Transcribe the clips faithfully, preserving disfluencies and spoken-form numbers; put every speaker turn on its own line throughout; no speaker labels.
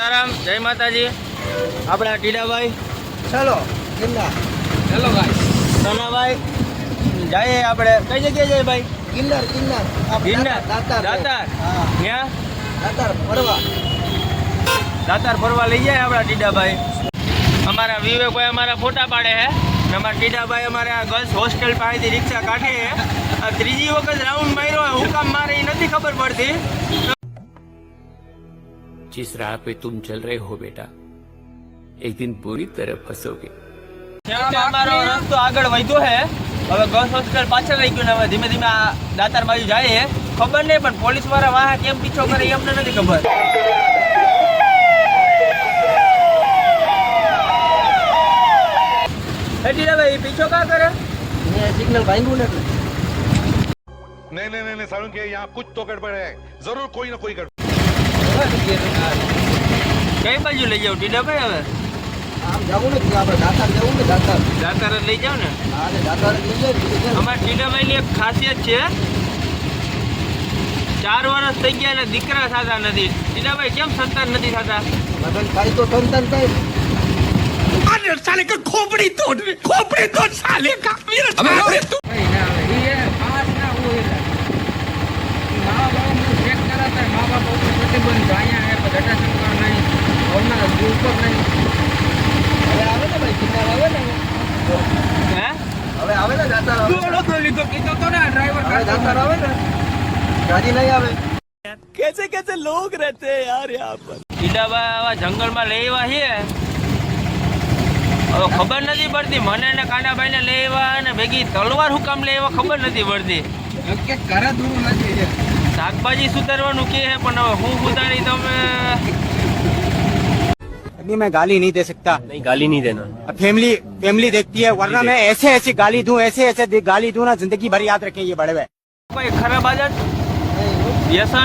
સીતારામ, જય માતાજી. આપણા ટીડાભાઈ
ચલો ગિરનાર.
ચલો ભાઈ સોનાભાઈ જઈએ આપણે. કઈ જગ્યાએ જઈએ ભાઈ?
ગિરનાર ગિરનાર
ગિરનાર
દાતાર
દાતાર
હા
ત્યાં
દાતાર ફરવા
દાતાર ફરવા લઈ જાય આપણા ટીડાભાઈ. અમારા વિવેકભાઈ અમારા ફોટા પાડે છે અને અમારા ટીડાભાઈ અમારા ગર્લ્સ હોસ્ટેલ પાસેથી રિક્ષા કાઢે છે. આ ત્રીજી વખત રાઉન્ડ માર્યો, હું કામ મારે એ નથી ખબર પડતી.
जिस राह पे तुम चल रहे हो बेटा एक दिन पूरी तरह फंसोगे.
છેવટે અમારો રસ્તો આગળ વધ્યો છે. હવે ગર્લ્સ હોસ્ટેલ પાછળ રહી ગયું ને હવે ધીમે ધીમે આ દાતાર બાજુ જાય. ખબર નહીં પણ પોલીસ વાળા વાહ કેમ પીછો કરે એ અમને નથી ખબર. ભાઈ પીછો કા કરે?
મેં સિગ્નલ ભાંગ્યું ને એટલે
नहीं नहीं नहीं सारुण के यहाँ कुछ तो गड़बड़ है, जरूर कोई ना कोई गड़बड़.
કઈ બાજુ લઈ જાવ ટીડાભાઈ? હવે
આમ જવું ને આપણે દાતાર જવું ને દાતાર
દાતાર જ લઈ જાવ ને.
હા ને દાતાર જ લઈ જાય.
અમારા ટીડાભાઈની એક ખાસિયત છે, ચાર વર્ષ થઈ ગયા એટલે દીકરા થતા નથી. ટીડાભાઈ કેમ સંતાન નથી થતા?
લગન થાય તો સંતાન થાય.
अरे साले का खोपड़ी तोड़ खोपड़ी तोड़ साले का अबे तू
હવે આવે ને ભાઈ ગિરનાર આવે ને
હે
હવે આવે ને દાતાર આવે
લીધો કીધો તો ને ડ્રાઈવર
હવે દાતાર આવે ને ગાડી નહીં આવે.
कैसे कैसे लोग रहते हैं यार यहाँ पर. ટીડાભાઈ આવા જંગલમાં લેવા છે. હવે ખબર નથી પડતી મને ને કાનાભાઈ ને લેવા અને ભેગી તલવાર હું કામ લેવા ખબર નથી પડતી.
કે ઘરે દૂર નથી
શાકભાજી સુધારવાનું કે છે પણ હવે હું સુધારી તમે.
अभी मैं गाली नहीं दे सकता.
નહીં ગાલી નહીં દેના.
फैमिली फैमिली देखती है वरना मैं ऐसे ऐसे गाली दूं ऐसे ऐसे दे- गाली दूं ना जिंदगी भर याद रखें ये बड़े हुए.
કોઈ ખરાબ આદત વ્યસન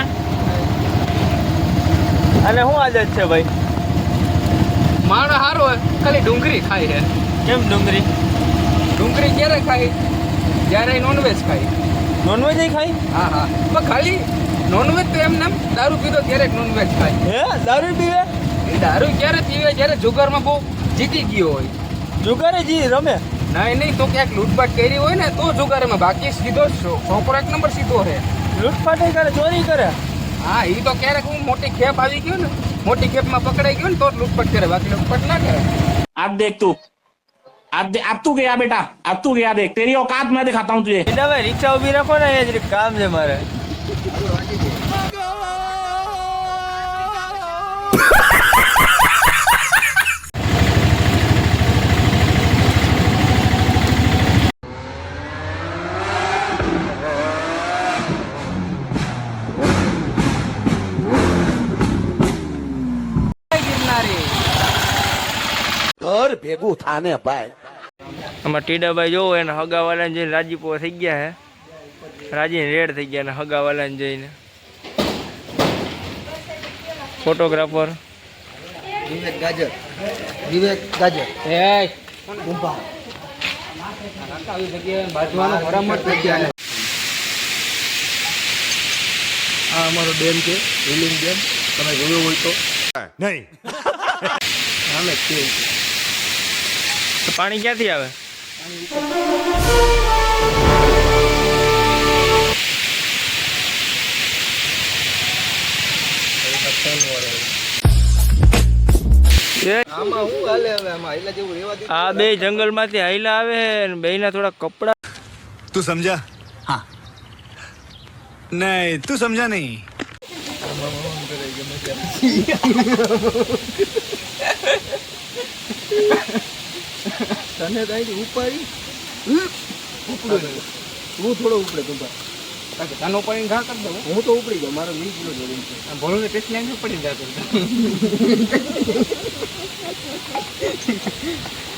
અને શું આદત છે ભાઈ?
માણસ સારો હોય ખાલી ડુંગળી ખાય છે.
કેમ ડુંગળી?
ડુંગળી ક્યારે ખાય? જ્યારે નોનવેજ ખાય.
નોનવેજ ખાઈ?
હા હા પણ ખાલી નોનવેજ તો એમને એમ દારૂ પીધો ત્યારે નોનવેજ ખાય.
હે દારૂ પીવે?
એ દારૂ ક્યારે પીવે? જ્યારે જુગારમાં બહુ જીતી ગયો હોય.
જુગારે જી રમે?
નહીં નહીં તો ક્યાંક લૂંટપાટ કરી હોય ને તો જુગારમાં, બાકી સીધો છો- છોકરો એક નંબર સીધો છે.
લૂંટફાટ કરે, ચોરી કરે?
હા એ તો ક્યારેક હું મોટી ખેપ આવી ગયો ને મોટી ખેપમાં પકડાઈ ગયો ને તો જ લૂંટપાટ કરે, બાકી લૂંટપાટ ના કરે.
अब देख तू अब दे, अब तू गया बेटा अब तू गया देख तेरी औकात मैं दिखाता हूँ तुझे.
ટીડાભાઈ રિક્ષા ઉભી રાખો ને, એ જ કામ છે મારે.
ઘર ભેગું થાને ભાઈ.
આમાં ટીડાભાઈ જોવો એને હગાવાલાને જોઈને રાજીપો થઈ ગયા હે. રાજીને રેડ થઈ ગયા ને હગાવાલાને જોઈને. ફોટોગ્રાફર
વિવેક ગાજર વિવેક ગાજર
એ
ઉભા
આવી જગ્યાએ બાજવાનો મરામત થઈ ગયા.
આ અમારો ડેમ છે હિલિંગ ડેમ. તમે જોયો હોય તો
नहीं
આમે જ છે.
તો પાણી ક્યાંથી આવે?
આમાં હું હાલે હવે આમાં હાઈલા જેવું રેવા દે.
આ બે જંગલમાંથી હાઈલા આવે ને બેયના થોડા કપડા.
तू समझा? हाँ नहीं तू समझा नहीं.
તને તો અહીંથી ઉપાડી ઉપડો હું થોડો ઉપડે તું ભાઈ.
તનો પડીને ઘા કરી દઉં.
હું તો ઉપડી ગયો. મારો વીસ કિલો જોડે છે.
ભોળું ને ટેસ્ટ લાઈન પડી જતો.